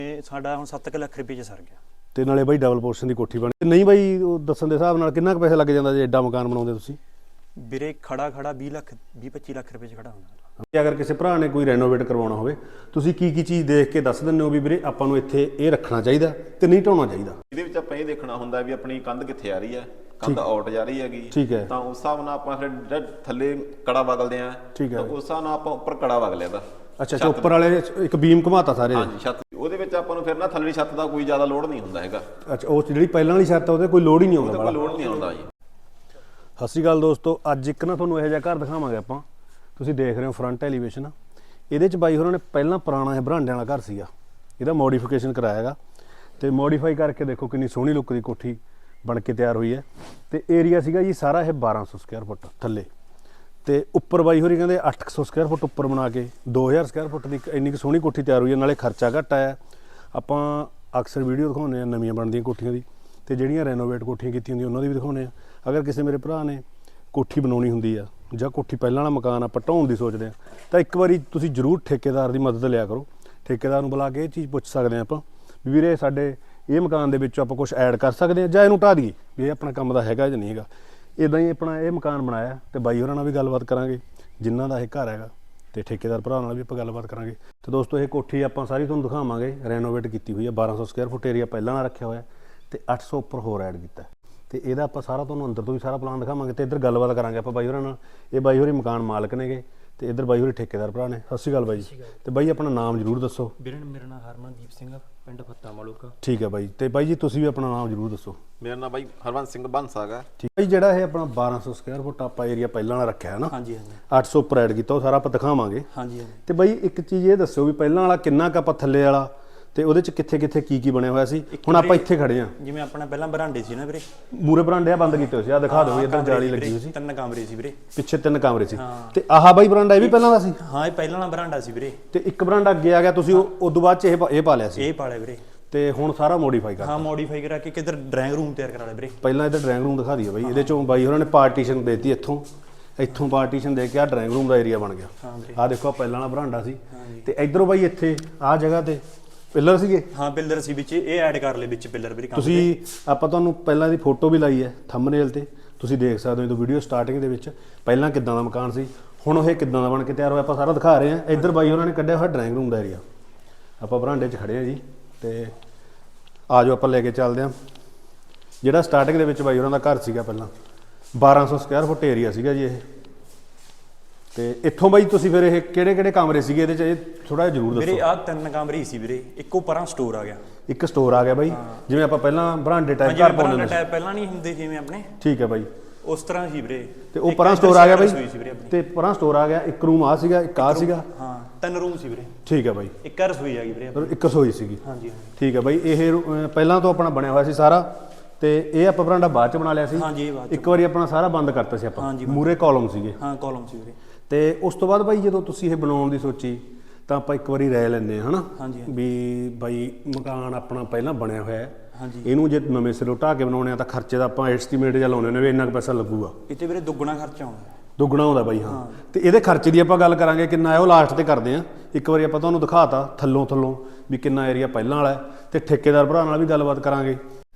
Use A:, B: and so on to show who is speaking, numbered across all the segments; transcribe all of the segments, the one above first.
A: ਸਾਡਾ ਹੁਣ 7 ਲੱਖ ਰੁਪਏ ਚ ਸਰ ਗਿਆ
B: ਤੇ ਨਾਲੇ ਬਾਈ ਡਬਲ ਪੋਰਸ਼ਨ ਦੀ ਕੋਠੀ ਬਣੀ ਨਹੀਂ ਬਾਈ ਉਹ ਦੱਸਣ ਦੇ ਹਿਸਾਬ ਨਾਲ ਕਿੰਨਾ ਕੁ ਪੈਸਾ ਲੱਗ ਜਾਂਦਾ ਜੇ ਐਡਾ ਮਕਾਨ ਬਣਾਉਂਦੇ ਤੁਸੀਂ
A: ਵੀਰੇ ਖੜਾ 20-25 ਲੱਖ ਰੁਪਏ ਚ ਖੜਾ ਹੁੰਦਾ
B: ਜੇ ਅਗਰ ਕਿਸੇ ਭਰਾ ਨੇ ਕੋਈ ਰੈਨੋਵੇਟ ਕਰਵਾਉਣਾ ਹੋਵੇ ਤੁਸੀਂ ਕੀ ਚੀਜ਼ ਦੇਖ ਕੇ ਦੱਸ ਦਿੰਦੇ ਹੋ ਵੀ ਵੀਰੇ ਆਪਾਂ ਨੂੰ ਇੱਥੇ ਇਹ ਰੱਖਣਾ ਚਾਹੀਦਾ ਤੇ ਨਹੀਂ ਢਾਉਣਾ ਚਾਹੀਦਾ
C: ਇਹਦੇ ਵਿੱਚ ਆਪਾਂ ਇਹ ਦੇਖਣਾ ਹੁੰਦਾ ਵੀ ਆਪਣੀ ਕੰਧ ਕਿੱਥੇ ਆ ਰਹੀ ਹੈ ਕੰਧ ਆਊਟ ਜਾ ਰਹੀ ਹੈਗੀ
B: ਠੀਕ ਹੈ
C: ਤਾਂ ਉਸ ਹਿਸਾਬ ਨਾਲ ਆਪਾਂ ਫਿਰ ਥੱਲੇ ਕੜਾ ਵਗਲਦੇ ਆ
B: ਠੀਕ ਹੈ
C: ਤਾਂ ਉਸ ਹਿਸਾਬ ਨਾਲ ਆਪਾਂ ਉੱਪਰ ਕੜਾ ਵਗ ਲਿਆ
B: ਅੱਛਾ ਉੱਪਰ ਵਾਲੇ ਇੱਕ ਬੀਮ ਘੁਮਾਤਾ ਸਾਰੇ
C: ਹਾਂਜੀ ਛੱਤ ਉਹਦੇ ਵਿੱਚ ਆਪਾਂ ਨੂੰ ਫਿਰ ਨਾ ਥੱਲੜੀ ਛੱਤ ਦਾ ਕੋਈ ਜ਼ਿਆਦਾ ਲੋਡ ਨਹੀਂ ਹੁੰਦਾ ਹੈਗਾ
B: ਅੱਛਾ ਉਹ ਜਿਹੜੀ ਪਹਿਲਾਂ ਵਾਲੀ ਛੱਤ ਉਹਦੇ ਕੋਈ ਲੋਡ ਹੀ ਨਹੀਂ ਆਉਂਦਾ
C: ਕੋਈ ਲੋਡ ਨਹੀਂ ਆਉਂਦਾ ਜੀ
B: ਸਤਿ ਸ਼੍ਰੀ ਅਕਾਲ ਦੋਸਤੋ ਅੱਜ ਇੱਕ ਨਾ ਤੁਹਾਨੂੰ ਇਹੋ ਜਿਹਾ ਘਰ ਦਿਖਾਵਾਂਗੇ ਆਪਾਂ ਤੁਸੀਂ ਦੇਖ ਰਹੇ ਹੋ ਫਰੰਟ ਐਲੀਵੇਸ਼ਨ ਇਹਦੇ ਚ ਬਾਈ ਹੋਰਾਂ ਨੇ ਪਹਿਲਾਂ ਪੁਰਾਣਾ ਇਹ ਬਰਾਂਡਿਆਂ ਵਾਲਾ ਘਰ ਸੀਗਾ ਇਹਦਾ ਮੋਡੀਫਿਕੇਸ਼ਨ ਕਰਾਇਆ ਹੈਗਾ ਤੇ ਮੋਡੀਫਾਈ ਕਰਕੇ ਦੇਖੋ ਕਿੰਨੀ ਸੋਹਣੀ ਲੁੱਕ ਦੀ ਕੋਠੀ ਬਣ ਕੇ ਤਿਆਰ ਹੋਈ ਹੈ ਤੇ ਏਰੀਆ ਸੀਗਾ ਜੀ ਸਾਰਾ ਇਹ 1200 ਸਕੁਅਰ ਫੁੱਟ ਥੱਲੇ ਤੇ ਉੱਪਰ ਬਾਈ ਹੋਰੀ ਕਹਿੰਦੇ 800 ਸਕੁਅਰ ਫੁੱਟ ਉੱਪਰ ਬਣਾ ਕੇ 2000 ਸਕੁਅਰ ਫੁੱਟ ਦੀ ਇੰਨੀ ਕੁ ਸੋਹਣੀ ਕੋਠੀ ਤਿਆਰ ਹੋਈ ਹੈ ਨਾਲੇ ਖਰਚਾ ਘੱਟ ਆਇਆ ਆਪਾਂ ਅਕਸਰ ਵੀਡੀਓ ਦਿਖਾਉਂਦੇ ਆ ਨਵੀਆਂ ਬਣਦੀਆਂ ਕੋਠੀਆਂ ਦੀ ਤੇ ਜਿਹੜੀਆਂ ਰੈਨੋਵੇਟ ਕੋਠੀਆਂ ਕੀਤੀਆਂ ਹੁੰਦੀਆਂ ਉਹਨਾਂ ਦੀ ਵੀ ਦਿਖਾਉਂਦੇ ਆ ਅਗਰ ਕਿਸੇ ਮੇਰੇ ਭਰਾ ਨੇ ਕੋਠੀ ਬਣਾਉਣੀ ਹੁੰਦੀ ਆ ਜਾਂ ਕੋਠੀ ਪਹਿਲਾਂ ਵਾਲਾ ਮਕਾਨ ਆਪਾਂ ਢਾਉਣ ਦੀ ਸੋਚਦੇ ਆ ਤਾਂ ਇੱਕ ਵਾਰੀ ਤੁਸੀਂ ਜ਼ਰੂਰ ਠੇਕੇਦਾਰ ਦੀ ਮਦਦ ਲਿਆ ਕਰੋ ਠੇਕੇਦਾਰ ਨੂੰ ਬੁਲਾ ਕੇ ਇਹ ਚੀਜ਼ ਪੁੱਛ ਸਕਦੇ ਆ ਆਪਾਂ ਵੀ ਵੀਰੇ ਸਾਡੇ ਇਹ ਮਕਾਨ ਦੇ ਵਿੱਚ ਆਪਾਂ ਕੁਝ ਐਡ ਕਰ ਸਕਦੇ ਆ ਜਾਂ ਇਹਨੂੰ ਢਾਹ ਦਈਏ ਵੀ ਇਹ ਆਪਣਾ ਕੰਮ ਦਾ ਹੈਗਾ ਜਾਂ ਨਹੀਂ ਹੈਗਾ ਇਦਾਂ ਹੀ ਆਪਣਾ ਇਹ ਮਕਾਨ ਬਣਾਇਆ ਤੇ ਬਾਈ ਹੋਰਾਂ ਨਾਲ ਵੀ ਗੱਲਬਾਤ ਕਰਾਂਗੇ ਜਿਨ੍ਹਾਂ ਦਾ ਇਹ ਘਰ ਹੈਗਾ ਤੇ ਠੇਕੇਦਾਰ ਭਰਾ ਨਾਲ ਵੀ ਆਪਾਂ ਗੱਲਬਾਤ ਕਰਾਂਗੇ ਤੇ ਦੋਸਤੋ ਇਹ ਕੋਠੀ ਆਪਾਂ ਸਾਰੀ ਤੁਹਾਨੂੰ ਦਿਖਾਵਾਂਗੇ ਰੈਨੋਵੇਟ ਕੀਤੀ ਹੋਈ ਹੈ 1200 ਸਕੁਅਰ ਫੁੱਟ ਏਰੀਆ ਪਹਿਲਾਂ ਨਾਲ ਰੱਖਿਆ ਹੋਇਆ ਤੇ 800 ਉੱਪਰ ਹੋਰ ਐਡ ਕੀਤਾ ਤੇ ਇਹਦਾ ਆਪਾਂ ਸਾਰਾ ਤੁਹਾਨੂੰ ਅੰਦਰ ਤੋਂ ਵੀ ਸਾਰਾ ਪਲਾਨ ਦਿਖਾਵਾਂਗੇ ਤੇ ਇੱਧਰ ਗੱਲਬਾਤ ਕਰਾਂਗੇ ਆਪਾਂ ਬਾਈ ਹੋਰਾਂ ਨਾਲ ਇਹ ਬਾਈ ਹੋਰੀ ਮਕਾਨ ਮਾਲਕ ਨੇਗੇ ਤੇ ਇੱਧਰ ਬਾਈ ਹੋਰੀ ਠੇਕੇਦਾਰ ਭਰਾ ਨੇ ਸਤਿ ਸ਼੍ਰੀ ਅਕਾਲ ਬਾਈ ਤੇ ਬਾਈ ਆਪਣਾ ਨਾਮ ਜ਼ਰੂਰ ਦੱਸੋ
A: ਵੀਰੇ ਮੇਰਾ ਨਾਮ ਹਰਮਨਦੀਪ ਸਿੰਘ ਪਿੰਡ ਫੱਤਾ ਮਾਲੂਕਾ
B: ਠੀਕ ਹੈ ਬਾਈ ਤੇ ਬਾਈ ਜੀ ਤੁਸੀਂ ਵੀ ਆਪਣਾ ਨਾਮ ਜ਼ਰੂਰ ਦੱਸੋ
C: ਮੇਰਾ ਨਾਮ ਬਾਈ ਹਰਵੰਤ ਸਿੰਘ ਬੰਸਾ ਹੈਗਾ
B: ਠੀਕ ਹੈ ਜਿਹੜਾ ਇਹ ਆਪਣਾ 1200 ਸਕੁਅਰ ਫੁੱਟ ਆਪਾਂ ਏਰੀਆ ਪਹਿਲਾਂ ਵਾਲਾ ਰੱਖਿਆ ਹੈ ਨਾ
A: ਹਾਂਜੀ ਹਾਂਜੀ
B: 800 ਉੱਪਰ ਐਡ ਕੀਤਾ ਉਹ ਸਾਰਾ ਆਪਾਂ ਦਿਖਾਵਾਂਗੇ
A: ਹਾਂਜੀ ਹਾਂਜੀ
B: ਤੇ ਬਾਈ ਇੱਕ ਚੀਜ਼ ਇਹ ਦੱਸਿਓ ਵੀ ਪਹਿਲਾਂ ਵਾਲਾ ਕਿੰਨਾ ਕੁ ਆਪਾਂ ਥੱਲੇ ਵਾਲਾ ਤੇ ਉਹਦੇ ਚ ਕਿੱਥੇ ਕੀ ਬਣਿਆ ਹੋਇਆ ਸੀ ਹੁਣ ਆਪਾਂ ਇੱਥੇ ਖੜੇ ਆ
A: ਜਿਵੇਂ ਆਪਣਾ ਪਹਿਲਾਂ ਬਰਾਂਡੇ ਸੀ ਨਾ ਵੀਰੇ
B: ਮੂਰੇ ਬਰਾਂਡੇ ਆ ਬੰਦ ਕੀਤੇ ਹੋਏ ਸੀ ਆ ਦਿਖਾ ਦਿਓ ਇੱਧਰ ਜਾਲੀ ਲੱਗੀ ਹੋਈ ਸੀ
A: 3 ਕਮਰੇ ਸੀ ਵੀਰੇ
B: ਪਿੱਛੇ 3 ਕਮਰੇ ਸੀ ਤੇ ਆਹ ਬਾਈ ਬਰਾਂਡਾ ਇਹ ਵੀ ਪਹਿਲਾਂ ਦਾ ਸੀ
A: ਹਾਂ ਇਹ ਪਹਿਲਾਂ ਵਾਲਾ ਬਰਾਂਡਾ ਸੀ ਵੀਰੇ
B: ਤੇ ਇੱਕ ਬਰਾਂਡਾ ਅੱਗੇ ਆ ਗਿਆ ਤੁਸੀਂ ਉਸ ਤੋਂ ਬਾਅਦ ਚ ਇਹ ਪਾ ਲਿਆ ਸੀ
A: ਇਹ ਪਾਲਿਆ ਵੀਰੇ
B: ਤੇ ਹੁਣ ਸਾਰਾ ਮੋਡੀਫਾਈ ਕਰ
A: ਹਾਂ ਮੋਡੀਫਾਈ ਕਰਾ ਕੇ ਕਿਧਰ ਡਰਾਇੰਗ ਰੂਮ ਤਿਆਰ ਕਰਾ ਲਿਆ ਵੀਰੇ
B: ਪਹਿਲਾਂ ਇੱਧਰ ਡਰਾਇੰਗ ਰੂਮ ਦਿਖਾ ਦਈਏ ਬਾਈ ਇਹਦੇ ਚੋਂ ਬਾਈ ਉਹਨਾਂ ਨੇ ਪਾਰਟੀਸ਼ਨ ਦੇਤੀ ਇੱਥੋਂ ਪਾਰਟੀਸ਼ਨ ਦੇ ਕੇ ਆ ਡਰਾਇੰਗ ਰੂਮ ਦਾ ਏਰੀਆ ਬਣ ਗਿਆ
A: ਹਾਂ ਵੀਰੇ
B: ਆ ਦੇਖੋ ਪਹਿਲਾਂ ਵਾਲਾ ਬਰਾਂਡਾ ਸੀ ਤੇ ਇਧਰੋਂ ਬਾਈ ਇੱਥੇ ਆ ਜਗ੍ਹਾ ਤੇ ਪਿੱਲਰ ਸੀਗੇ
A: ਹਾਂ ਪਿੱਲਰ ਸੀ ਵਿੱਚ ਇਹ ਐਡ ਕਰ ਲਏ ਵਿੱਚ ਪਿੱਲਰ ਵੀਰੇ
B: ਤੁਸੀਂ ਆਪਾਂ ਤੁਹਾਨੂੰ ਪਹਿਲਾਂ ਦੀ ਫੋਟੋ ਵੀ ਲਾਈ ਹੈ ਥੰਬਨੇਲ ਤੇ ਤੁਸੀਂ ਦੇਖ ਸਕਦੇ ਹੋ ਜਦੋਂ ਵੀਡੀਓ ਸਟਾਰਟਿੰਗ ਦੇ ਵਿੱਚ ਪਹਿਲਾਂ ਕਿੱਦਾਂ ਦਾ ਮਕਾਨ ਸੀ ਹੁਣ ਉਹ ਕਿੱਦਾਂ ਦਾ ਬਣ ਕੇ ਤਿਆਰ ਹੋਇਆ ਆਪਾਂ ਸਾਰਾ ਦਿਖਾ ਰਹੇ ਹਾਂ ਇੱਧਰ ਬਾਈ ਉਹਨਾਂ ਨੇ ਕੱਢਿਆ ਹੋਇਆ ਡਰਾਇੰਗ ਰੂਮ ਦਾ ਏਰੀਆ ਆਪਾਂ ਬਰਾਂਡੇ 'ਚ ਖੜੇ ਹਾਂ ਜੀ ਤੇ ਆ ਜਾਓ ਆਪਾਂ ਲੈ ਕੇ ਚੱਲਦੇ ਹਾਂ ਜਿਹੜਾ ਸਟਾਰਟਿੰਗ ਦੇ ਵਿੱਚ ਬਾਈ ਉਹਨਾਂ ਦਾ ਘਰ ਸੀਗਾ ਪਹਿਲਾਂ 1200 ਸਕੁਅਰ ਫੁੱਟ ਏਰੀਆ ਸੀਗਾ ਜੀ ਇਹ ਤੇ ਇੱਥੋਂ ਬਾਈ ਤੁਸੀਂ ਫਿਰ ਇਹ ਕਿਹੜੇ ਕਮਰੇ ਸੀਗੇ ਇਹਦੇ 'ਚ ਇਹ ਥੋੜਾ ਜਿਹਾ ਜ਼ਰੂਰ ਦੱਸੋ
A: ਵੀਰੇ ਆ 3 ਕਮਰੇ ਹੀ ਸੀ ਵੀਰੇ ਇੱਕੋ ਪਰਾਂ ਸਟੋਰ ਆ ਗਿਆ
B: ਇੱਕ ਸਟੋਰ ਆ ਗਿਆ ਬਾਈ ਜਿਵੇਂ ਆਪਾਂ ਪਹਿਲਾਂ ਬਰਾਂਡੇ ਟਾਈਪ ਘਰ ਪਾਉਂਦੇ
A: ਸੀ ਪਹਿਲਾਂ ਨਹੀਂ ਹੁੰਦੇ ਜਿਵੇਂ ਆਪਣੇ
B: ਠੀਕ ਹੈ ਬਾਈ
A: ਉਸ ਤਰ੍ਹਾਂ ਸੀ ਵੀਰੇ
B: ਤੇ ਉਹ ਪਰਾਂ ਸਟੋਰ ਆ ਗਿਆ ਬਾਈ ਤੇ ਪਰਾਂ ਸਟੋਰ ਆ ਗਿਆ ਇੱਕ ਰੂਮ ਆ ਸੀਗਾ ਇੱਕ ਆ ਸੀਗਾ
A: ਹਾਂ 3 ਰੂਮ ਸੀ ਵੀਰੇ
B: ਠੀਕ ਹੈ ਬਾਈ
A: ਇੱਕ ਰਸੋਈ ਆ ਗਈ ਵੀਰੇ
B: ਇੱਕ ਰਸੋਈ ਸੀਗੀ
A: ਹਾਂਜੀ
B: ਠੀਕ ਹੈ ਬਾਈ ਇਹ ਪਹਿਲਾਂ ਤੋਂ ਆਪਣਾ ਬਣਿਆ ਹੋਇਆ ਸੀ ਸਾਰਾ ਤੇ ਇਹ ਆਪਾਂ ਬਰਾਂਡਾ ਬਾਅਦ ਚ ਬਣਾ ਲਿਆ ਸੀ
A: ਹਾਂਜੀ ਇਹ ਬਾਅਦ
B: ਇੱਕ ਵਾਰੀ ਆਪਣਾ ਸਾਰਾ ਬੰਦ ਕਰਤਾ ਸੀ ਆਪਾਂ ਮੂਰੇ ਕਾਲਮ ਸੀਗੇ
A: ਹਾਂ ਕਾਲਮ ਸੀ ਵੀਰੇ
B: ਤੇ ਉਸ ਤੋਂ ਬਾਅਦ ਬਾਈ ਜਦੋਂ ਤੁਸੀਂ ਇਹ ਬਣਾਉਣ ਦੀ ਸੋਚੀ ਤਾਂ ਆਪਾਂ ਇੱਕ ਵਾਰੀ ਰਹਿ ਲੈਂਦੇ ਹਾਂ ਹਨਾ ਵੀ ਬਾਈ ਮਕਾਨ ਆਪਣਾ ਪਹਿਲਾਂ ਬਣਿਆ ਹੋਇਆ ਹੈ ਇਹਨੂੰ ਜੇ ਨਵੇਂ ਸਿਰੋਂ ਢਾਹ ਕੇ ਬਣਾਉਣੇ ਆ ਤਾਂ ਖਰਚੇ ਦਾ ਆਪਾਂ ਐਸਟੀਮੇਟ ਜਾਂ ਲਾਉਣੇ ਨੇ ਵੀ ਇੰਨਾ ਕੁ ਪੈਸਾ ਲੱਗੂਗਾ
A: ਇੱਥੇ ਵੀਰੇ ਦੁੱਗਣਾ ਖਰਚਾ ਆਉਂਦਾ
B: ਦੁੱਗਣਾ ਆਉਂਦਾ ਬਾਈ ਹਾਂ ਤੇ ਇਹਦੇ ਖਰਚੇ ਦੀ ਆਪਾਂ ਗੱਲ ਕਰਾਂਗੇ ਕਿੰਨਾ ਹੈ ਉਹ ਲਾਸਟ ਤੇ ਕਰਦੇ ਆ ਇੱਕ ਵਾਰੀ ਆਪਾਂ ਤੁਹਾਨੂੰ ਦਿਖਾਤਾ ਥੱਲੋਂ ਵੀ ਕਿੰਨਾ ਏਰੀਆ ਪਹਿਲਾਂ ਵਾਲਾ ਤੇ ਠੇਕੇਦਾਰ ਭਰਾ ਨਾਲ ਵੀ ਗੱਲਬਾਤ ਕਰਾਂਗੇ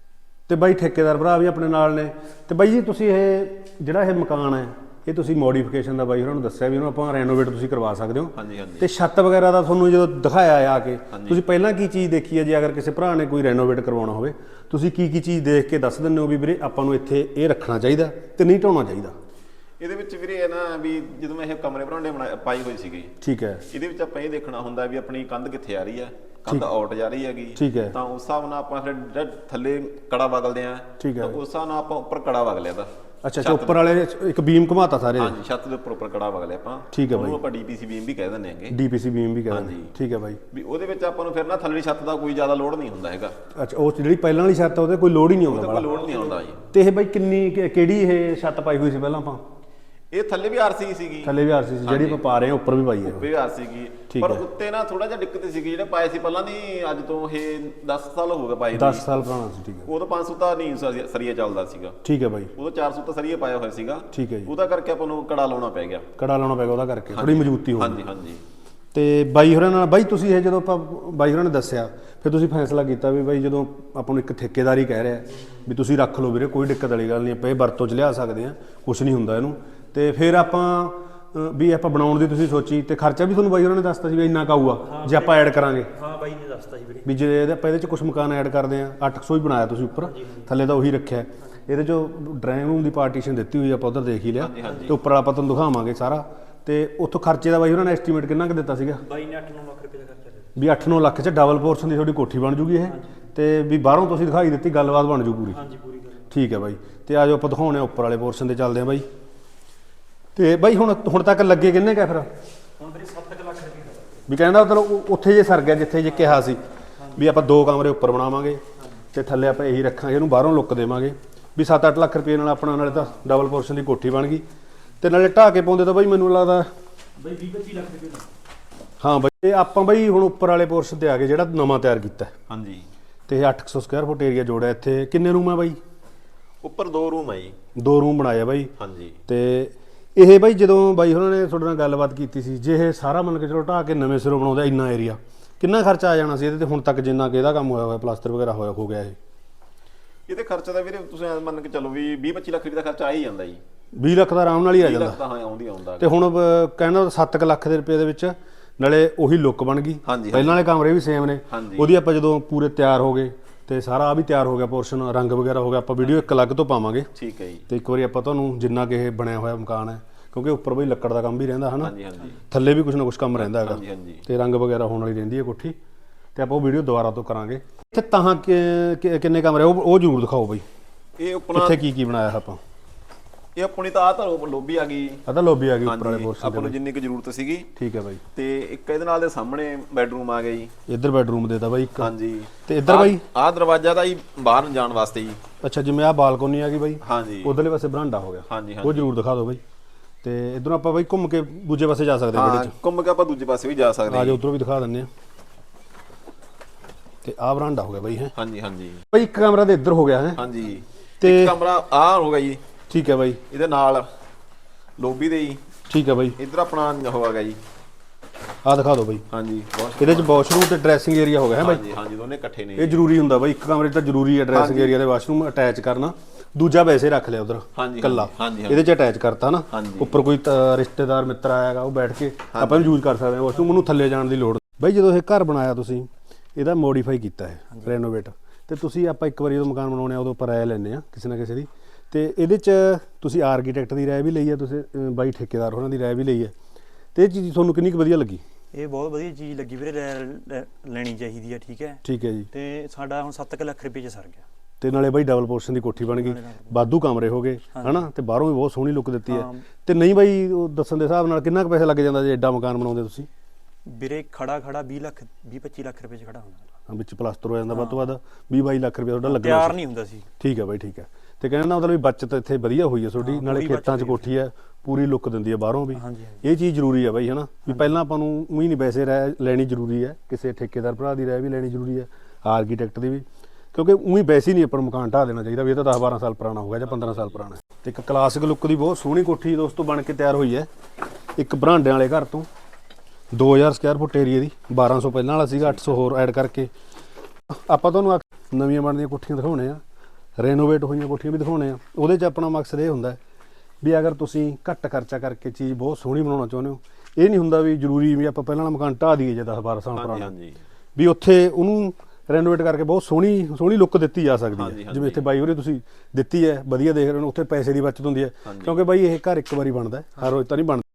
B: ਤੇ ਬਾਈ ਠੇਕੇਦਾਰ ਭਰਾ ਵੀ ਆਪਣੇ ਨਾਲ ਨੇ ਤੇ ਬਾਈ ਜੀ ਤੁਸੀਂ ਇਹ ਜਿਹੜਾ ਇਹ ਮਕਾਨ ਹੈ ਇਹ ਤੁਸੀਂ ਮੋਡੀਫਿਕੇਸ਼ਨ ਦਾ ਬਾਈ ਉਹਨਾਂ ਨੂੰ ਦੱਸਿਆ ਵੀ ਇਹਨੂੰ ਆਪਾਂ ਰੈਨੋਵੇਟ ਤੁਸੀਂ ਕਰਵਾ ਸਕਦੇ ਹੋ ਤੇ ਛੱਤ ਵਗੈਰਾ ਦਾ ਤੁਹਾਨੂੰ ਜਦੋਂ ਦਿਖਾਇਆ ਆ ਕੇ ਤੁਸੀਂ ਪਹਿਲਾਂ ਕੀ ਚੀਜ਼ ਦੇਖੀ ਹੈ ਜੇ ਅਗਰ ਕਿਸੇ ਭਰਾ ਨੇ ਕੋਈ ਰੈਨੋਵੇਟ ਕਰਵਾਉਣਾ ਹੋਵੇ ਤੁਸੀਂ ਕੀ ਚੀਜ਼ ਦੇਖ ਕੇ ਦੱਸ ਦਿੰਦੇ ਹੋ ਵੀ ਵੀਰੇ ਆਪਾਂ ਨੂੰ ਇੱਥੇ ਇਹ ਰੱਖਣਾ ਚਾਹੀਦਾ ਤੇ ਨਹੀਂ ਢਾਉਣਾ ਚਾਹੀਦਾ
C: ਇਹਦੇ ਵਿੱਚ ਵੀਰੇ ਇਹ ਨਾ ਵੀ ਜਦੋਂ ਮੈਂ ਇਹ ਕਮਰੇ ਬਰਾਂਡੇ ਪਾਈ ਹੋਈ ਸੀਗੀ
B: ਠੀਕ ਹੈ
C: ਇਹਦੇ ਵਿੱਚ ਆਪਾਂ ਇਹ ਦੇਖਣਾ ਹੁੰਦਾ ਵੀ ਆਪਣੀ ਕੰਧ ਕਿੱਥੇ ਆ ਰਹੀ ਹੈ ਕੰਧ ਆਊਟ ਜਾ ਰਹੀ ਹੈਗੀ
B: ਠੀਕ ਹੈ
C: ਤਾਂ ਉਸ ਹਿਸਾਬ ਨਾਲ ਆਪਾਂ ਫਿਰ ਥੱਲੇ ਕੜਾ ਵਗਲਦੇ ਆ
B: ਠੀਕ ਹੈ
C: ਉਸ ਹਿਸਾਬ ਨਾਲ ਆਪਾਂ ਉੱਪਰ ਕੜਾ ਵਗ ਲਿਆ
B: ਅੱਛਾ ਉੱਪਰ ਵਾਲੇ ਇੱਕ ਬੀਮ ਘੁਮਾਤਾ ਸਾਰੇ
C: ਹਾਂਜੀ ਛੱਤ ਦੇ ਉੱਪਰ ਕੜਾ ਵਗ ਲਿਆ ਆਪਾਂ
B: ਠੀਕ ਹੈ ਬਾਈ
C: ਉਹਨੂੰ ਆਪਾਂ ਡੀਪੀਸੀ ਬੀਮ ਵੀ ਕਹਿ ਦਿੰਦੇ ਆਂਗੇ
B: ਡੀਪੀਸੀ ਬੀਮ ਵੀ ਕਹਿੰਦੇ
C: ਹਾਂਜੀ
B: ਠੀਕ ਹੈ ਬਾਈ
C: ਵੀ ਉਹਦੇ ਵਿੱਚ ਆਪਾਂ ਨੂੰ ਫਿਰ ਨਾ ਥੱਲੜੀ ਛੱਤ ਦਾ ਕੋਈ ਜ਼ਿਆਦਾ ਲੋਡ ਨਹੀਂ ਹੁੰਦਾ ਹੈਗਾ
B: ਅੱਛਾ ਉਹ ਜਿਹੜੀ ਪਹਿਲਾਂ ਵਾਲੀ ਛੱਤ ਉਹਦੇ ਕੋਈ ਲੋਡ ਹੀ ਨਹੀਂ ਆਉਂਦਾ
C: ਕੋਈ ਲੋਡ ਨਹੀਂ ਆਉਂਦਾ ਜੀ
B: ਤੇ ਇਹ ਬਾਈ ਕਿਹੜੀ ਇਹ ਛੱਤ ਪਾਈ ਹੋਈ ਸੀ ਪਹਿਲਾਂ ਆਪਾਂ
C: ਇਹ ਥੱਲੇ ਵੀ ਆਰਸੀ ਸੀਗੀ
B: ਥੱਲੇ ਵੀ ਆਰਸੀ ਸੀ ਜਿਹੜੀ ਆਪਾਂ ਪਾ ਰਹੇ ਹਾਂ ਉੱਪਰ ਵੀ ਪਾਈ ਹੈ
C: ਵੀ ਆਰਸੀ ਸੀਗੀ ਪਰ ਉੱਤੇ ਨਾ ਥੋੜਾ ਜਿਹਾ ਦਿੱਕਤ ਸੀਗੀ ਜਿਹੜੇ ਪਾਏ ਸੀ ਪਹਿਲਾਂ ਦੀ ਅੱਜ ਤੋਂ ਇਹ 10 ਸਾਲ ਹੋ ਗਏ ਪਾਏ
B: 10 ਸਾਲ ਪੁਰਾਣਾ ਸੀ ਠੀਕ ਹੈ
C: ਉਦੋਂ 500 ਤਾਂ ਨਹੀਂ ਸਰੀਆ ਚੱਲਦਾ ਸੀਗਾ
B: ਠੀਕ ਹੈ ਬਾਈ
C: ਉਦੋਂ 400 ਤਾਂ ਸਰੀਆ ਪਾਇਆ ਹੋਇਆ ਸੀਗਾ
B: ਠੀਕ ਹੈ ਜੀ
C: ਉਹਦਾ ਕਰਕੇ ਆਪਾਂ ਨੂੰ ਕੜਾ ਲਾਉਣਾ ਪੈ ਗਿਆ
B: ਉਹਦਾ ਕਰਕੇ ਥੋੜੀ ਮਜ਼ਬੂਤੀ ਹੋ
C: ਹਾਂਜੀ
B: ਤੇ ਬਾਈ ਹੋਰਾਂ ਨਾਲ ਬਾਈ ਤੁਸੀਂ ਇਹ ਜਦੋਂ ਆਪਾਂ ਬਾਈ ਹੋਰਾਂ ਨੇ ਦੱਸਿਆ ਫਿਰ ਤੁਸੀਂ ਫੈਸਲਾ ਕੀਤਾ ਵੀ ਬਾਈ ਜਦੋਂ ਆਪਾਂ ਨੂੰ ਇੱਕ ਠੇਕੇਦਾਰੀ ਕਹਿ ਰਿਹਾ ਵੀ ਤੁਸੀਂ ਰੱਖ ਲਓ ਵੀਰੇ, ਕੋਈ ਦਿੱਕਤ ਵਾਲੀ ਗੱਲ ਨਹੀਂ, ਆਪਾਂ ਇਹ ਵਰਤੋਂ 'ਚ ਲਿਆ ਸਕਦੇ ਹਾਂ, ਕੁਝ ਨਹੀਂ ਹੁੰਦਾ ਇਹਨੂੰ। ਤੇ ਫਿਰ ਆਪਾਂ ਵੀ ਆਪਾਂ ਬਣਾਉਣ ਦੀ ਤੁਸੀਂ ਸੋਚੀ, ਤੇ ਖਰਚਾ ਵੀ ਤੁਹਾਨੂੰ ਬਾਈ ਉਹਨਾਂ ਨੇ ਦੱਸਤਾ ਸੀ ਵੀ ਇੰਨਾ ਕਾਊਗਾ ਜੇ ਆਪਾਂ ਐਡ ਕਰਾਂਗੇ।
A: ਹਾਂ ਬਾਈ ਨੇ ਦੱਸਤਾ ਸੀ ਵੀਰੇ
B: ਵੀ ਜੇ ਆਪਾਂ ਇਹਦੇ 'ਚ ਕੁਝ ਮਕਾਨ ਐਡ ਕਰਦੇ ਆ, 800 ਹੀ ਬਣਾਇਆ ਤੁਸੀਂ ਉੱਪਰ, ਥੱਲੇ ਤਾਂ ਉਹੀ ਰੱਖਿਆ। ਇਹਦੇ 'ਚ ਡਰਾਇੰਗ ਰੂਮ ਦੀ ਪਾਰਟੀਸ਼ਨ ਦਿੱਤੀ ਹੋਈ ਆਪਾਂ ਉਧਰ ਦੇਖ ਹੀ ਲਿਆ, ਤੇ ਉੱਪਰ ਆਪਾਂ ਤੁਹਾਨੂੰ ਦਿਖਾਵਾਂਗੇ ਸਾਰਾ। ਤੇ ਉੱਥੋਂ ਖਰਚੇ ਦਾ ਬਾਈ ਉਹਨਾਂ ਨੇ ਐਸਟੀਮੇਟ ਕਿੰਨਾ ਕੁ ਦਿੱਤਾ ਸੀਗਾ?
A: ਬਾਈ ਨੇ 8-9 ਲੱਖ ਰੁਪਏ ਦਾ ਖਰਚਾ ਦਿੱਤਾ
B: ਵੀ 8-9 ਲੱਖ 'ਚ ਡਬਲ ਪੋਰਸ਼ਨ ਦੀ ਤੁਹਾਡੀ ਕੋਠੀ ਬਣ ਜੂਗੀ ਇਹ, ਤੇ ਵੀ ਬਾਹਰੋਂ ਤੁਸੀਂ ਦਿਖਾਈ ਦਿੱਤੀ ਗੱਲਬਾਤ ਬਣ ਜੂ ਪੂਰੀ।
A: ਹਾਂਜੀ ਪੂਰੀ ਗੱਲ
B: ਠੀਕ ਹੈ ਬਾਈ। ਤੇ ਆਜੋ ਆਪਾਂ ਦਿਖਾਉਣੇ ਆ ਉੱਪਰ ਵਾਲੇ ਪੋਰਸ਼ਨ ਤੇ ਚੱਲਦੇ ਆ ਬਾਈ। ਤੇ ਬਾਈ ਹੁਣ ਤੱਕ ਲੱਗੇ ਕਿੰਨੇ ਕਾ ਫਿਰ?
A: ਹੁਣ ਵੀਰੇ 7 ਲੱਖ ਰੁਪਏ ਦਾ
B: ਵੀ ਕਹਿੰਦਾ ਮਤਲਬ ਉੱਥੇ ਜੇ ਸਰ ਗਿਆ ਜਿੱਥੇ ਜੇ ਕਿਹਾ ਸੀ ਵੀ ਆਪਾਂ 2 ਕਮਰੇ ਉੱਪਰ ਬਣਾਵਾਂਗੇ ਤੇ ਥੱਲੇ ਆਪਾਂ ਇਹੀ ਰੱਖਾਂਗੇ, ਇਹਨੂੰ ਬਾਹਰੋਂ ਲੁੱਕ ਦੇਵਾਂਗੇ, ਵੀ 7-8 ਲੱਖ ਰੁਪਏ ਨਾਲ ਆਪਣਾ ਨਾਲੇ ਤਾਂ ਡਬਲ ਪੋਰਸ਼ਨ ਦੀ ਕੋਠੀ ਬਣ ਗਈ, ਤੇ ਨਾਲੇ ਢਾਹ ਕੇ ਪਾਉਂਦੇ ਤਾਂ ਬਾਈ ਮੈਨੂੰ ਲੱਗਦਾ
A: ਬਾਈ 20-25 ਲੱਖ ਰੁਪਏ ਦਾ।
B: ਹਾਂ ਬਾਈ। ਤੇ ਆਪਾਂ ਬਾਈ ਹੁਣ ਉੱਪਰ ਵਾਲੇ ਪੋਰਸ਼ਨ ਤੇ ਆ ਗਏ ਜਿਹੜਾ ਨਵਾਂ ਤਿਆਰ ਕੀਤਾ।
C: ਹਾਂਜੀ।
B: ਤੇ 800 ਸਕੁਅਰ ਫੁੱਟ ਏਰੀਆ ਜੋੜਿਆ। ਇੱਥੇ ਕਿੰਨੇ ਰੂਮ ਆ ਬਾਈ?
C: ਉੱਪਰ 2 ਰੂਮ ਹੈ ਜੀ।
B: 2 ਰੂਮ ਬਣਾਇਆ ਬਾਈ।
C: ਹਾਂਜੀ।
B: ਤੇ ਇਹ ਬਾਈ ਜਦੋਂ ਬਾਈ ਉਹਨਾਂ ਨੇ ਤੁਹਾਡੇ ਨਾਲ ਗੱਲਬਾਤ ਕੀਤੀ ਸੀ, ਜੇ ਇਹ ਸਾਰਾ ਮੰਨ ਕੇ ਚਲੋ ਢਾਹ ਕੇ ਨਵੇਂ ਸਿਰੋਂ ਬਣਾਉਂਦਾ ਇੰਨਾ ਏਰੀਆ, ਕਿੰਨਾ ਖਰਚਾ ਆ ਜਾਣਾ ਸੀ ਇਹਦੇ ਤੇ ਹੁਣ ਤੱਕ ਜਿੰਨਾ ਕਿ ਇਹਦਾ ਕੰਮ ਹੋਇਆ ਹੋਇਆ, ਪਲਾਸਟਰ ਵਗੈਰਾ ਹੋਇਆ ਹੋ ਗਿਆ ਇਹ?
C: ਇਹਦੇ ਖਰਚਾ ਤਾਂ ਵੀਰੇ ਤੁਸੀਂ ਐਂ ਮੰਨ ਕੇ ਚੱਲੋ ਵੀ 20-25 ਲੱਖ ਰੁਪਏ ਦਾ ਖਰਚਾ ਆ ਹੀ ਜਾਂਦਾ ਜੀ।
B: 20 ਲੱਖ ਦਾ ਆਰਾਮ ਨਾਲ ਹੀ ਆ
C: 20
B: ਜਾਂਦਾ।
C: ਲੱਖ ਤਾਂ ਹਾਂ ਆਉਂਦਾ।
B: ਤੇ ਹੁਣ ਕਹਿੰਦਾ 7 ਲੱਖ ਦੇ ਰੁਪਏ ਦੇ ਵਿੱਚ ਨਾਲੇ ਉਹੀ ਲੁੱਕ ਬਣ ਗਈ, ਪਹਿਲਾਂ ਵਾਲੇ ਕਮਰੇ ਵੀ ਸੇਮ ਨੇ। ਉਹਦੀ ਆਪਾਂ ਜਦੋਂ ਪੂਰੇ ਤਿਆਰ ਹੋ ਗਏ ਤੇ ਸਾਰਾ ਆ ਵੀ ਤਿਆਰ ਹੋ ਗਿਆ ਪੋਰਸ਼ਨ, ਰੰਗ ਵਗੈਰਾ ਹੋ ਗਿਆ, ਆਪਾਂ ਵੀਡੀਓ ਇੱਕ ਅਲੱਗ ਤੋਂ ਪਾਵਾਂਗੇ।
C: ਠੀਕ ਹੈ ਜੀ।
B: ਤੇ ਇੱਕ ਵਾਰੀ ਆਪਾਂ ਤੁਹਾਨੂੰ ਜਿੰਨਾ ਕਿ ਇਹ ਬਣਿਆ ਹੋਇਆ ਮਕਾਨ ਹੈ, ਕਿਉਂਕਿ ਉੱਪਰ ਬਈ ਲੱਕੜ ਦਾ ਕੰਮ ਵੀ ਰਹਿੰਦਾ ਹਨਾ,
C: ਹਾਂਜੀ ਹਾਂਜੀ।
B: ਥੱਲੇ ਵੀ ਕੁਝ ਨਾ ਕੁਝ ਕੰਮ ਰਹਿੰਦਾ ਹੈਗਾ,
C: ਹਾਂਜੀ ਹਾਂਜੀ।
B: ਤੇ ਰੰਗ ਵਗੈਰਾ ਹੋਣ ਵਾਲੀ ਰਹਿੰਦੀ ਹੈ ਕੋਠੀ। ਤੇ ਆਪਾਂ ਉਹ ਵੀਡੀਓ ਦੁਬਾਰਾ ਤੋਂ ਕਰਾਂਗੇ। ਇੱਥੇ ਤਾਂ ਕਿੰਨੇ ਕਮਰੇ ਉਹ ਜ਼ਰੂਰ ਦਿਖਾਓ ਬਈ।
C: ਇਹ ਆਪਣਾ
B: ਇੱਥੇ ਕੀ ਬਣਾਇਆ ਆਪਾਂ?
C: ਇਹ ਆਪਣੀ ਤਾਂ ਆ ਤਾਂ ਲੋਬੀ ਆ ਗਈ।
B: ਆ ਤਾਂ ਲੋਬੀ ਆ ਗਈ ਉੱਪਰ ਵਾਲੇ ਪੋਰਸ਼ਨ
C: ਆਪਾਂ ਨੂੰ ਜਿੰਨੀ ਕੁ ਜ਼ਰੂਰਤ ਸੀਗੀ।
B: ਠੀਕ ਹੈ ਬਾਈ।
C: ਤੇ ਇੱਕ ਇਹਦੇ ਨਾਲ ਦੇ ਸਾਹਮਣੇ ਬੈਡਰੂਮ ਆ ਗਿਆ ਜੀ।
B: ਇੱਧਰ ਬੈਡਰੂਮ ਦੇਤਾ ਬਾਈ ਇੱਕ।
C: ਹਾਂਜੀ।
B: ਤੇ ਇੱਧਰ ਬਾਈ
C: ਆਹ ਦਰਵਾਜ਼ਾ ਤਾਂ ਜੀ ਬਾਹਰ ਜਾਣ ਵਾਸਤੇ ਜੀ।
B: ਅੱਛਾ, ਜਿਵੇਂ ਆਹ ਬਾਲਕੋਨੀ ਆ ਗਈ ਬਾਈ,
C: ਹਾਂਜੀ।
B: ਉਧਰਲੇ ਪਾਸੇ ਬਰਾਂਡਾ ਹੋ ਗਿਆ,
C: ਹਾਂਜੀ
B: ਉਹ ਜ਼ਰੂਰ ਦਿਖਾ ਦਿਓ ਬਾਈ। ਤੇ ਇਧਰੋਂ ਆਪਾਂ ਬਾਈ ਘੁੰਮ ਕੇ ਦੂਜੇ ਪਾਸੇ ਜਾ ਸਕਦੇ ਹਾਂ
C: ਹਾਂ, ਘੁੰਮ ਕੇ ਆਪਾਂ ਦੂਜੇ ਪਾਸੇ ਵੀ ਜਾ ਸਕਦੇ
B: ਹਾਂ।
C: ਹਾਂ।
B: ਆ ਜਾ ਉਧਰੋਂ ਵੀ ਦਿਖਾ ਦਿੰਨੇ ਆ। ਤੇ ਆਹ ਬਰਾਂਡਾ ਹੋ ਗਿਆ ਬਾਈ ਹੈ।
C: ਹਾਂਜੀ ਹਾਂਜੀ
B: ਬਾਈ ਇੱਕ ਕਮਰਾ ਤੇ ਇੱਧਰ ਹੋ ਗਿਆ ਹੈ।
C: ਹਾਂਜੀ।
B: ਤੇ
C: ਇੱਕ ਕਮਰਾ ਆਹ ਹੋ ਗਿਆ ਜੀ।
B: ਠੀਕ ਹੈ ਬਾਈ।
C: ਇਹਦੇ ਨਾਲ ਲੋਬੀ ਦੇ ਜੀ।
B: ਠੀਕ ਹੈ ਬਾਈ।
C: ਇੱਧਰ ਆਪਣਾ ਹੋ ਗਿਆ ਜੀ।
B: ਆਹ ਦਿਖਾ ਦਿਓ ਬਾਈ।
C: ਹਾਂਜੀ।
B: ਇਹਦੇ ਚ ਵਾਸ਼ਰੂਮ ਤੇ ਡਰੈਸਿੰਗ ਏਰੀਆ ਹੋ ਗਿਆ ਹੈ ਬਾਈ।
C: ਹਾਂਜੀ ਹਾਂਜੀ, ਦੋਨੇ ਇਕੱਠੇ ਨੇ।
B: ਇਹ ਜ਼ਰੂਰੀ ਹੁੰਦਾ ਬਾਈ, ਇੱਕ ਕਮਰੇ 'ਚ ਤਾਂ ਜ਼ਰੂਰੀ ਹੈ ਡਰੈਸਿੰਗ ਏਰੀਆ ਤੇ ਵਾਸ਼ਰੂਮ ਅਟੈਚ ਕਰਨਾ। ਦੂਜਾ ਵੈਸੇ ਰੱਖ ਲਿਆ ਉਧਰ ਕੱਲਾ, ਇਹਦੇ 'ਚ ਅਟੈਚ ਕਰਤਾ ਨਾ। ਉੱਪਰ ਕੋਈ ਰਿਸ਼ਤੇਦਾਰ ਮਿੱਤਰ ਆਏਗਾ ਉਹ ਬੈਠ ਕੇ ਆਪਾਂ ਨੂੰ ਯੂਜ਼ ਕਰ ਸਕਦੇ ਹਾਂ ਵਾਸ਼ਰੂਮ, ਉਹਨੂੰ ਥੱਲੇ ਜਾਣ ਦੀ ਲੋੜ। ਬਾਈ ਜਦੋਂ ਇਹ ਘਰ ਬਣਾਇਆ ਤੁਸੀਂ ਇਹਦਾ ਮੋਡੀਫਾਈ ਕੀਤਾ ਹੈ, ਰੈਨੋਵੇਟ, ਤੇ ਤੁਸੀਂ ਆਪਾਂ ਇੱਕ ਵਾਰੀ ਜਦੋਂ ਮਕਾਨ ਬਣਾਉਣੇ ਆ ਉਦੋਂ ਆਪਾਂ ਰਾਏ ਲੈਂਦੇ ਆ ਕਿਸੇ ਨਾ ਕਿਸੇ ਦੀ। ਤੇ ਇਹਦੇ 'ਚ ਤੁਸੀਂ ਆਰਕੀਟੈਕਟ ਦੀ ਰਾਏ ਵੀ ਲਈ ਹੈ, ਤੁਸੀਂ ਬਾਈ ਠੇਕੇਦਾਰ ਉਹਨਾਂ ਦੀ ਰਾਏ ਵੀ ਲਈ ਹੈ, ਤੇ ਇਹ ਚੀਜ਼ ਤੁਹਾਨੂੰ ਕਿੰਨੀ ਕੁ ਵਧੀਆ ਲੱਗੀ?
A: ਇਹ ਬਹੁਤ ਵਧੀਆ ਚੀਜ਼ ਲੱਗੀ ਵੀਰੇ, ਲੈਣੀ ਚਾਹੀਦੀ ਹੈ। ਠੀਕ ਹੈ।
B: ਠੀਕ ਹੈ ਜੀ।
A: ਤੇ ਸਾਡਾ ਹੁਣ 7 ਲੱਖ ਰੁਪਏ 'ਚ ਸਰ ਗਿਆ।
B: ਤੇ ਨਾਲੇ ਬਾਈ ਡਬਲ ਪੋਰਸ਼ਨ ਦੀ ਕੋਠੀ ਬਣ ਗਈ, ਵਾਧੂ ਕਮਰੇ ਹੋ ਗਏ ਹਨਾ, ਤੇ ਬਾਹਰੋਂ ਵੀ ਬਹੁਤ ਸੋਹਣੀ ਲੁੱਕ ਦਿੱਤੀ ਹੈ। ਤੇ ਨਹੀਂ ਬਾਈ ਉਹ ਦੱਸਣ ਦੇ ਹਿਸਾਬ ਨਾਲ ਕਿੰਨਾ ਕੁ ਪੈਸਾ ਲੱਗ ਜਾਂਦਾ ਜੇ ਐਡਾ ਮਕਾਨ ਬਣਾਉਂਦੇ ਤੁਸੀਂ?
A: ਵੀਰੇ ਖੜਾ 20-25 ਲੱਖ ਰੁਪਏ 'ਚ ਖੜਾ ਹੁੰਦਾ,
B: ਵਿੱਚ ਪਲਾਸਟਰ ਹੋ ਜਾਂਦਾ ਵੱਧ ਤੋਂ ਵੱਧ 20-22 ਲੱਖ ਰੁਪਏ ਤੁਹਾਡਾ ਲੱਗਣਾ
A: ਤਿਆਰ ਨਹੀਂ ਹੁੰਦਾ ਸੀ।
B: ਠੀਕ ਹੈ ਬਾਈ, ਠੀਕ ਹੈ। ਤੇ ਕਹਿਣ ਦਾ ਮਤਲਬ ਵੀ ਬੱਚਤ ਇੱਥੇ ਵਧੀਆ ਹੋਈ ਹੈ ਤੁਹਾਡੀ, ਨਾਲੇ ਖੇਤਾਂ 'ਚ ਕੋਠੀ ਹੈ, ਪੂਰੀ ਲੁੱਕ ਦਿੰਦੀ ਹੈ ਬਾਹਰੋਂ ਵੀ। ਇਹ ਚੀਜ਼ ਜ਼ਰੂਰੀ ਹੈ ਬਾਈ ਹਨਾ, ਵੀ ਪਹਿਲਾਂ ਆਪਾਂ ਨੂੰ ਉਹੀ ਨਹੀਂ ਵੈਸੇ ਰਾਏ ਲੈਣੀ ਜ਼ਰੂਰੀ ਹੈ, ਕਿਸੇ ਠੇਕੇਦਾਰ ਭਰਾ ਦੀ ਰਾਏ ਵੀ ਲੈਣੀ ਜ਼ਰੂਰੀ ਹੈ, ਆਰਕੀਟੈਕਟ ਦੀ ਵੀ, ਕਿਉਂਕਿ ਉਹੀ ਵੈਸੇ ਨਹੀਂ ਆਪਾਂ ਨੂੰ ਮਕਾਨ ਢਾਹ ਦੇਣਾ ਚਾਹੀਦਾ ਵੀ ਇਹ ਤਾਂ 10-12 ਸਾਲ ਪੁਰਾਣਾ ਹੋ ਗਿਆ ਜਾਂ 15 ਸਾਲ ਪੁਰਾਣਾ। ਤੇ ਇੱਕ ਕਲਾਸਿਕ ਲੁੱਕ ਦੀ ਬਹੁਤ ਸੋਹਣੀ ਕੋਠੀ ਦੋਸਤੋ ਬਣ ਕੇ ਤਿਆਰ ਹੋਈ ਹੈ, ਇੱਕ ਬਰਾਂਡਿਆਂ ਵਾਲੇ ਘਰ ਤੋਂ। 2000 ਸਕੁਅਰ ਫੁੱਟ ਏਰੀਆ ਦੀ, 1200 ਪਹਿਲਾਂ ਵਾਲਾ ਸੀਗਾ, 800 ਹੋਰ ਐਡ ਕਰਕੇ ਆਪਾਂ ਤੁਹਾਨੂੰ ਨਵੀਆਂ ਬਣਦੀਆਂ ਕੋਠੀਆਂ ਦਿਖਾਉਣੇ ਆ, ਰੈਨੋਵੇਟ ਹੋਈਆਂ ਕੋਠੀਆਂ ਵੀ ਦਿਖਾਉਣੇ ਆ। ਉਹਦੇ 'ਚ ਆਪਣਾ ਮਕਸਦ ਇਹ ਹੁੰਦਾ ਵੀ ਅਗਰ ਤੁਸੀਂ ਘੱਟ ਖਰਚਾ ਕਰਕੇ ਚੀਜ਼ ਬਹੁਤ ਸੋਹਣੀ ਬਣਾਉਣਾ ਚਾਹੁੰਦੇ ਹੋ, ਇਹ ਨਹੀਂ ਹੁੰਦਾ ਵੀ ਜ਼ਰੂਰੀ ਵੀ ਆਪਾਂ ਪਹਿਲਾਂ ਵਾਲਾ ਮਕਾਨ ਢਾਹ ਦਈਏ ਜੇ 10-12 ਸਾਲ ਪੁਰਾਣਾ, ਵੀ ਉੱਥੇ ਉਹਨੂੰ ਰੈਨੋਵੇਟ ਕਰਕੇ ਬਹੁਤ ਸੋਹਣੀ ਲੁੱਕ ਦਿੱਤੀ ਜਾ ਸਕਦੀ ਹੈ। ਜਿਵੇਂ ਇੱਥੇ ਬਾਈ ਹੋਰੇ ਤੁਸੀਂ ਦਿੱਤੀ ਹੈ, ਵਧੀਆ ਦੇਖ ਰਹੇ ਹੋ, ਉੱਥੇ ਪੈਸੇ ਦੀ ਬਚਤ ਹੁੰਦੀ ਹੈ, ਕਿਉਂਕਿ ਬਾਈ ਇਹ ਘਰ ਇੱਕ ਵਾਰੀ ਬਣਦਾ, ਹਰ ਰੋਜ਼ ਤਾਂ ਨਹੀਂ ਬਣਦਾ।